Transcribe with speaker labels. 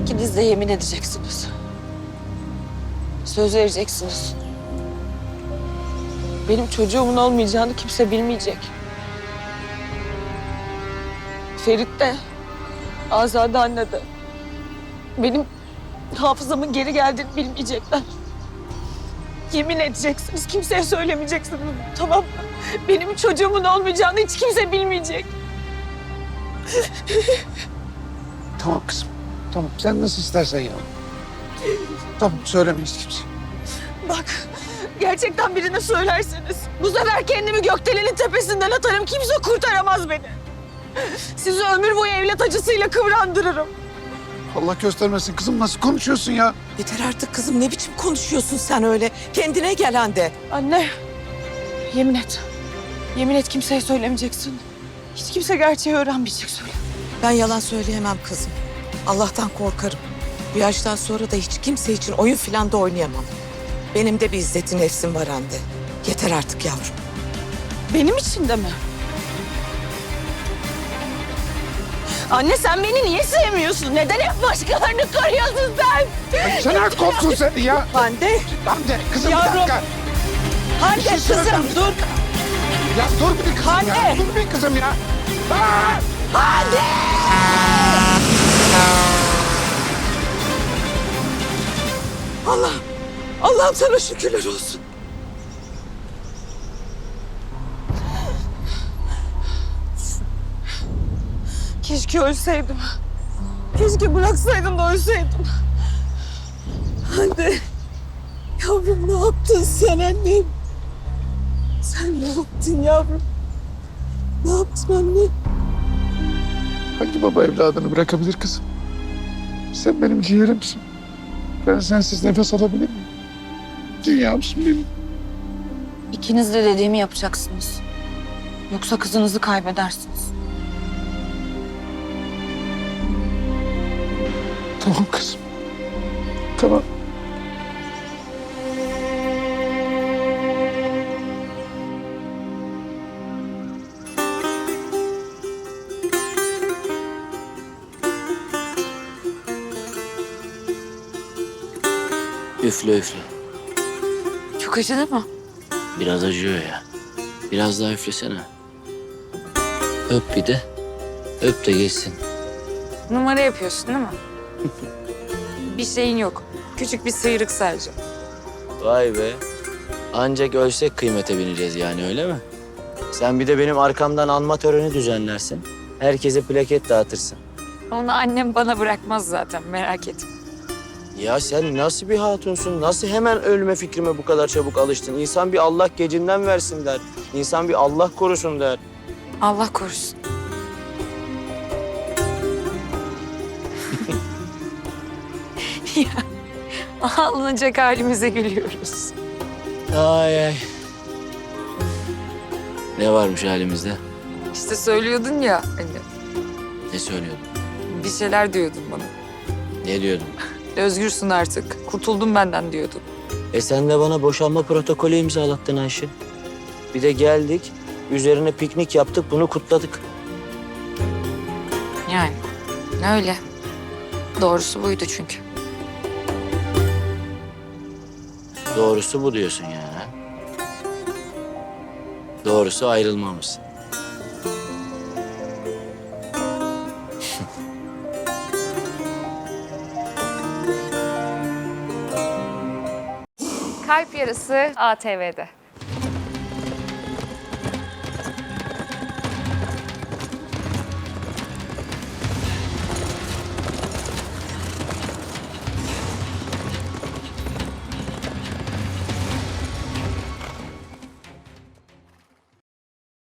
Speaker 1: İkiniz de yemin edeceksiniz. Söz vereceksiniz. Benim çocuğumun olmayacağını kimse bilmeyecek. Ferit de, Azade anne de benim hafızamın geri geldiğini bilmeyecekler. Yemin edeceksiniz, kimseye söylemeyeceksiniz, tamam mı? Benim çocuğumun olmayacağını hiç kimse bilmeyecek.
Speaker 2: Tamam kızım. Tamam sen nasıl istersen ya. Tamam söylemeyiz kimse.
Speaker 1: Bak, gerçekten birine söylerseniz bu sefer kendimi gökdelenin tepesinden atarım. Kimse kurtaramaz beni. Sizi ömür boyu evlat acısıyla kıvrandırırım.
Speaker 2: Allah göstermesin kızım nasıl konuşuyorsun ya?
Speaker 3: Yeter artık kızım, ne biçim konuşuyorsun sen öyle? Kendine gel Hande.
Speaker 1: Anne, yemin et. Yemin et kimseye söylemeyeceksin. Hiç kimse gerçeği öğrenmeyecek, söyle.
Speaker 3: Ben yalan söyleyemem kızım. Allah'tan korkarım. Bu yaştan sonra da hiç kimse için oyun falan da oynayamam. Benim de bir izzeti nefsim var Hande. Yeter artık yavrum.
Speaker 1: Benim için de mi? Anne sen beni niye sevmiyorsun? Neden hep başkalarını koruyorsun sen?
Speaker 2: Sen aç kopsun seni ya.
Speaker 3: Hande.
Speaker 2: Hande kızım
Speaker 3: Yavrum.
Speaker 2: bir dakika.
Speaker 3: Hande
Speaker 2: Bir şey
Speaker 3: kızım
Speaker 2: söyleyeceğim.
Speaker 3: dur.
Speaker 2: Ya dur bir kızım
Speaker 3: Hande.
Speaker 2: ya. Dur bir kızım ya. Aa!
Speaker 3: Hande! Allah'ım sana şükürler olsun.
Speaker 1: Keşke ölseydim. Keşke bıraksaydım da ölseydim.
Speaker 3: Hande. Yavrum ne yaptın sen annem? Sen ne yaptın yavrum? Ne yaptın anne?
Speaker 2: Hangi baba evladını bırakabilir kızım? Sen benim ciğerimsin. Ben sensiz nefes alabilir miyim? Dünyamsın benim.
Speaker 1: İkiniz de dediğimi yapacaksınız. Yoksa kızınızı kaybedersiniz.
Speaker 2: Tamam kızım. Tamam.
Speaker 4: Üfle üfle.
Speaker 1: Çok acıdı mı?
Speaker 4: Biraz acıyor ya. Biraz daha üflesene. Öp bir de. Öp de geçsin.
Speaker 5: Numara yapıyorsun değil mi? Bir şeyin yok. Küçük bir sıyrık sadece.
Speaker 4: Vay be. Ancak ölsek kıymete bineceğiz yani öyle mi? Sen bir de benim arkamdan anma töreni düzenlersin. Herkese plaket dağıtırsın.
Speaker 5: Onu annem bana bırakmaz zaten, merak etme.
Speaker 4: Ya sen nasıl bir hatunsun? Nasıl hemen ölme fikrime bu kadar çabuk alıştın? İnsan bir Allah gecinden versin der. İnsan bir Allah korusun der.
Speaker 5: Allah korusun. Ya, ağlanacak halimize gülüyoruz.
Speaker 4: Ay ay. Ne varmış halimizde?
Speaker 5: İşte söylüyordun ya anne.
Speaker 4: Ne söylüyordun?
Speaker 5: Bir şeyler diyordun bana.
Speaker 4: Ne diyordun?
Speaker 5: Özgürsün artık. Kurtuldum benden diyordun.
Speaker 4: Sen de bana boşanma protokolü imzalattın Ayşe. Bir de geldik, üzerine piknik yaptık, bunu kutladık.
Speaker 5: Yani öyle. Doğrusu buydu çünkü.
Speaker 4: Doğrusu bu diyorsun yani. Ha? Doğrusu ayrılmamız.
Speaker 6: Kalp Yarısı ATV'de.